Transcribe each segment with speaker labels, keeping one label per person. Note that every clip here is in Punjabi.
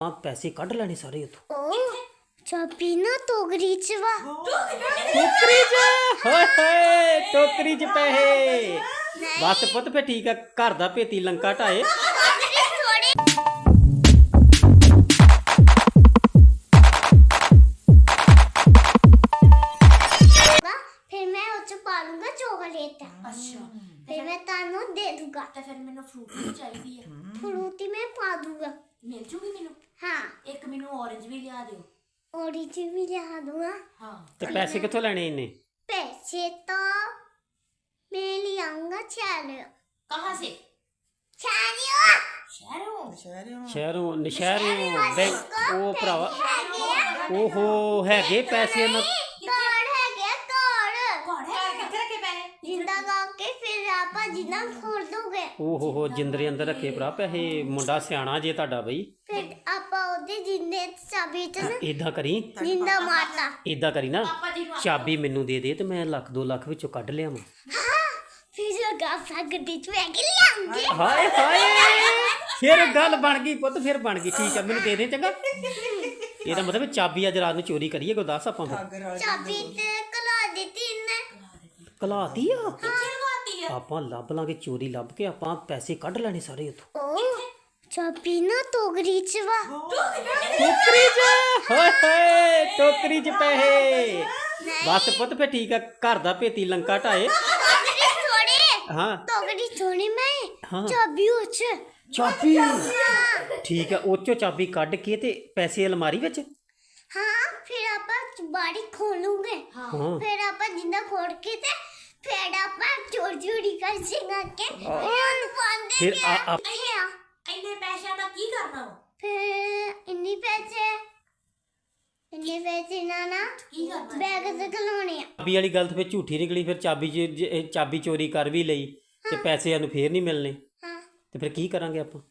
Speaker 1: पैसे कढ़ लेने सारे उतो
Speaker 2: चाबी ना टोकरी च वा
Speaker 1: टोकरी च पैसे बस पुत फिर ठीक है घर दा भेती लंका ढाए
Speaker 2: फिर मैं उस पा लूंगा चॉकलेट।
Speaker 3: अच्छा
Speaker 2: फिर मैं तानू दे दूंगा।
Speaker 3: तो फिर मैंने फ्रूटी चाहिए है
Speaker 2: फ्रूटी मैं पा दूंगा।
Speaker 3: मिल जूगी मैनू
Speaker 2: हाँ
Speaker 3: एक मैनू ऑरेंज भी लिया दियो
Speaker 2: ऑरेंज भी लिया दूंगा।
Speaker 3: हाँ
Speaker 1: ते पैसे कित्थों लेने इन्ने
Speaker 2: पैसे तो मैं ले आऊंगा चालियो।
Speaker 3: कहाँ से
Speaker 2: चालियो
Speaker 3: शहरों
Speaker 1: शहरों बैंक ओ भरावा ओहो हैगे पैसे ना
Speaker 2: तोड़ है क्या तोड़
Speaker 3: घर किथे रखे पैसे
Speaker 2: जिंदा गाके फिर आपा जिंदा खोल दोगे।
Speaker 1: ओहो जिंदरे अंदर रखे भरा पैसे मुंडा सियाणा जे ਤੁਹਾਡਾ ਬਈ
Speaker 2: फिर आपा ओदे जिंदे चाबी च ना
Speaker 1: ਇਦਾਂ ਕਰੀ
Speaker 2: जिंदा मारता।
Speaker 1: ਇਦਾਂ ਕਰੀ ਨਾ
Speaker 3: पापा जी नु
Speaker 1: ਚਾਬੀ ਮੈਨੂੰ ਦੇ ਦੇ ਤੇ ਮੈਂ ਲੱਖ 2 ਲੱਖ ਵਿੱਚੋਂ ਕੱਢ ਲਿਆਵਾਂ
Speaker 2: हाँ फिर जो गाफा गड्डी च बैग ले आऊंगी।
Speaker 1: ਹਾਏ ਹਾਏ ਫਿਰ ਗੱਲ ਬਣ ਗਈ ਪੁੱਤ ਫਿਰ ਬਣ ਗਈ ਠੀਕ ਆ ਮੈਨੂੰ ਦੇ ਦੇ ਚੰਗਾ ਇਹਦਾ ਮਤਲਬ ਚਾਬੀ ਅੱਜ ਰਾਤ ਨੂੰ ਚੋਰੀ ਕਰੀਏ ਕੋ ਦੱਸ ਆਪਾਂ ਫਿਰ
Speaker 2: चाबी ते कला देती ने
Speaker 1: ਕਲਾਤੀ ਆ
Speaker 3: किथे लगाती है
Speaker 1: ਆਪਾਂ ਲੱਭ ਲਾਂਗੇ ਚੋਰੀ ਲੱਭ ਕੇ ਆਪਾਂ ਪੈਸੇ ਕੱਢ ਲੈਣੇ ਸਾਰੇ ਉਥੋਂ
Speaker 2: ओ चाबी ना टोकरी च वा
Speaker 1: ਟੋਕਰੀ 'ਚ ਹੋਏ ਟੋਕਰੀ 'ਚ ਪੈਸੇ ਬਸ ਪੁੱਤ ਫਿਰ ਠੀਕ ਆ ਘਰ ਦਾ ਭੇਤੀ ਲੰਕਾ ਢਾਏ ਹਾਂ
Speaker 2: टोकरी छोड़ी मैं
Speaker 1: हाँ।
Speaker 2: चाबी उच
Speaker 1: ਚਾਬੀ ਠੀਕ ਆ ਉਹ 'ਚੋਂ ਚਾਬੀ ਕੱਢ ਕੇ ਤੇ ਪੈਸੇ ਅਲਮਾਰੀ ਵਿੱਚ
Speaker 2: हाँ फिर आपा बाड़ी खोलूंगे।
Speaker 1: ਹਾਂ
Speaker 2: फिर आपा जिंदा खोल के ते फिर आपा चोर चोरी कर सिंगा के फिर बंद
Speaker 1: ਫਿਰ ਆ
Speaker 3: इन्ने पैसे दा की करना हो
Speaker 2: फिर इन्नी पैसे ना
Speaker 3: की करना
Speaker 2: बैग से खिलौने
Speaker 1: ਚਾਬੀ ਵਾਲੀ ਗੱਲ ਤਾਂ ਫਿਰ ਝੂਠੀ ਨਿਕਲੀ ਫਿਰ ਚਾਬੀ ਚਾਬੀ ਚੋਰੀ ਕਰ ਵੀ ਲਈ ਤੇ ਪੈਸੇ ਸਾਨੂੰ ਫੇਰ ਨਹੀਂ ਮਿਲਨੇ
Speaker 2: हाँ
Speaker 1: ਤੇ ਫਿਰ ਕੀ ਕਰਾਂਗੇ ਆਪਾਂ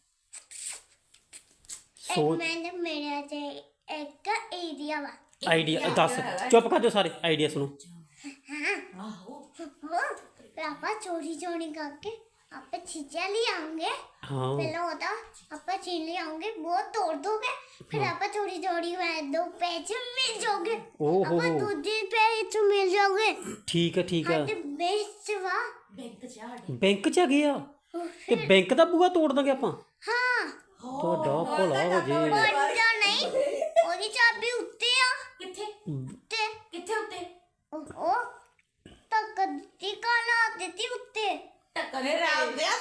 Speaker 2: एक
Speaker 1: ਸੋਚ
Speaker 2: मैंने मेरे से एक एरिया वा
Speaker 1: ਆਈਡੀਆ ਦੱਸ ਚੁੱਪ ਕਰ ਜਾਓ ਸਾਰੇ ਆਈਡੀਆ ਸੁਣੋ
Speaker 3: आहो
Speaker 2: फिर आपा चोरी चोरी करके आपे चीजें ले आएंगे।
Speaker 1: ਹਾਂ
Speaker 2: पहले होता आपा चीज ले आएंगे वो तोड़ दोगे फिर आपा चोरी चोरी में 2 पैसे मिल जाओगे।
Speaker 1: ओहो
Speaker 2: आपा दूसरे पैसे मिल जाओगे।
Speaker 1: ਠੀਕ ਹੈ ਠੀਕ ਹੈ
Speaker 2: हट बेच वा
Speaker 3: बैंक चाड़
Speaker 1: ਬੈਂਕ 'ਚ ਹੈਗੇ ਆ ਤੇ ਬੈਂਕ ਦਾ ਬੂਹਾ ਤੋੜ ਦਾਂਗੇ ਆਪਾਂ
Speaker 2: हाँ
Speaker 1: ਤੁਹਾਡਾ ਭਲਾ ਹੋ ਜੇ
Speaker 2: बंदा नहीं ओदी चाबी उत्ते आ
Speaker 3: किथे
Speaker 2: उत्ते
Speaker 3: किथे उत्ते
Speaker 2: ओ तक दी काला देती उत्ते
Speaker 3: टक्कर राम दे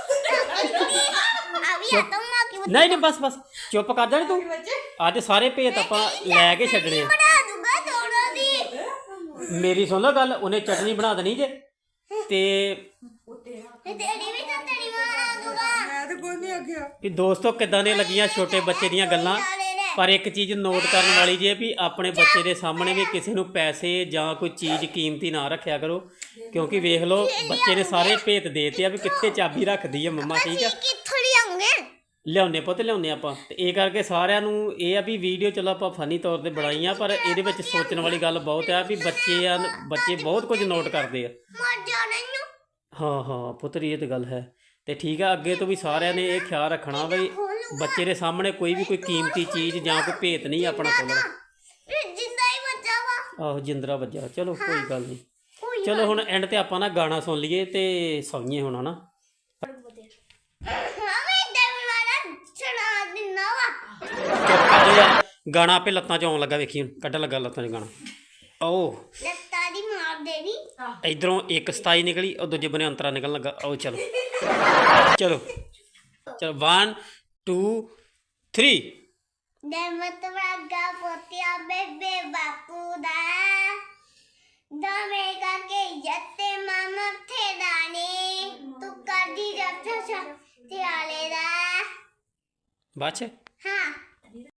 Speaker 2: अभी आता हूं की
Speaker 1: ਨਹੀਂ ਨਹੀਂ ਬਸ ਬਸ ਚੁੱਪ ਕਰ ਜਾਣੀ ਤੂੰ ਅੱਜ ਸਾਰੇ ਭੇਤ ਆਪਾਂ ਲੈ ਕੇ ਛੱਡਣੇ ਆ
Speaker 2: बना दूंगा थोड़ा दी
Speaker 1: ਮੇਰੀ ਸੁਣ ਲਓ ਗੱਲ ਉਹਨੇ ਚਟਨੀ ਬਣਾ ਦੇਣੀ ਜੇ ਤੇ
Speaker 2: तेरी भी तो तेरी बना दूंगा।
Speaker 1: ਵੀ ਦੋਸਤੋ ਕਿੱਦਾਂ ਦੀਆਂ ਲੱਗੀਆਂ ਛੋਟੇ ਬੱਚੇ ਦੀਆਂ ਗੱਲਾਂ ਪਰ ਇੱਕ ਚੀਜ਼ ਨੋਟ ਕਰਨ ਵਾਲੀ ਜੇ ਵੀ ਆਪਣੇ ਬੱਚੇ ਦੇ ਸਾਹਮਣੇ ਵੀ ਕਿਸੇ ਨੂੰ ਪੈਸੇ ਜਾਂ ਕੋਈ ਚੀਜ਼ ਕੀਮਤੀ ਨਾ ਰੱਖਿਆ ਕਰੋ ਕਿਉਂਕਿ ਵੇਖ ਲਓ ਬੱਚੇ ਨੇ ਸਾਰੇ ਭੇਤ ਦੇਤੇ ਆ ਵੀ ਕਿੱਥੇ ਚਾਬੀ ਰੱਖਦੀ ਆ ਮੰਮਾ ਠੀਕ ਆ
Speaker 2: कित्थों ले आऊंगे
Speaker 1: ਲਿਆਉਣੇ ਪੁੱਤ ਲਿਆਉਣੇ ਆਪਾਂ ਤੇ ਇਹ ਕਰਕੇ ਸਾਰਿਆਂ ਨੂੰ ਇਹ ਆ ਵੀ ਵੀਡੀਓ ਚਲੋ ਆਪਾਂ ਫਨੀ ਤੌਰ ਤੇ ਬਣਾਈਆਂ ਪਰ ਇਹਦੇ ਵਿੱਚ ਸੋਚਣ ਵਾਲੀ ਗੱਲ ਬਹੁਤ ਆ ਵੀ ਬੱਚੇ ਬਹੁਤ ਕੁਝ ਨੋਟ ਕਰਦੇ ਆ
Speaker 2: मर जाना नु
Speaker 1: ਹਾਂ ਹਾਂ ਪੁੱਤਰੀ ਇਹ ਤੇ ਗੱਲ ਹੈ ਤੇ ਠੀਕ ਆ ਅੱਗੇ ਤੋਂ ਵੀ ਸਾਰਿਆਂ ਨੇ ਇਹ ਖਿਆਲ ਰੱਖਣਾ ਬਈ ਬੱਚੇ ਦੇ ਸਾਹਮਣੇ ਕੋਈ ਵੀ ਕੋਈ ਕੀਮਤੀ ਚੀਜ਼ ਜਾਂ ਕੋਈ ਭੇਤ ਨਹੀਂ ਆਪਣਾ ਖੋਲ੍ਹਣਾ
Speaker 2: जिंदा ही बचा वा
Speaker 1: ਆਹੋ ਜਿੰਦਰਾ ਵੱਜਾ ਚਲੋ ਕੋਈ ਗੱਲ ਨਹੀਂ
Speaker 2: कोई
Speaker 1: ਚਲੋ ਹੁਣ ਐਂਡ ਤੇ ਆਪਾਂ ਨਾ ਗਾਣਾ ਸੁਣ ਲਈਏ ਤੇ ਸੌਂਈਏ ਹੁਣ ਹਨਾ
Speaker 2: हमें डर वाला चढ़ा देना वा
Speaker 1: ਚੁੱਪ ਕਰ ਜਾ ਯਾਰ ਗਾਣਾ ਆਪੇ ਲੱਤਾਂ 'ਚ ਆਉਣ ਲੱਗਾ ਵੇਖੀ ਹੁਣ ਕੱਢਣ ਲੱਗਾ ਲੱਤਾਂ 'ਚ ਗਾਣਾ ਓ
Speaker 2: लगता दी मार देनी
Speaker 1: ਇਧਰੋਂ ਇੱਕ 27 ਨਿਕਲੀ ਉਹ ਦੂਜੇ ਬਨੇ ਅੰਤਰਾ ਨਿਕਲਣ ਲੱਗਾ ਆਓ ਚਲੋ ਚਲੋ ਚਲੋ 1 2 3
Speaker 2: दमत वागा पोतिया बेबे बापू दा दमे का के जत्ते मामा थे दाने तू कदी रक्षा ते आले दा
Speaker 1: ਬਾਅਦ 'ਚ
Speaker 2: हाँ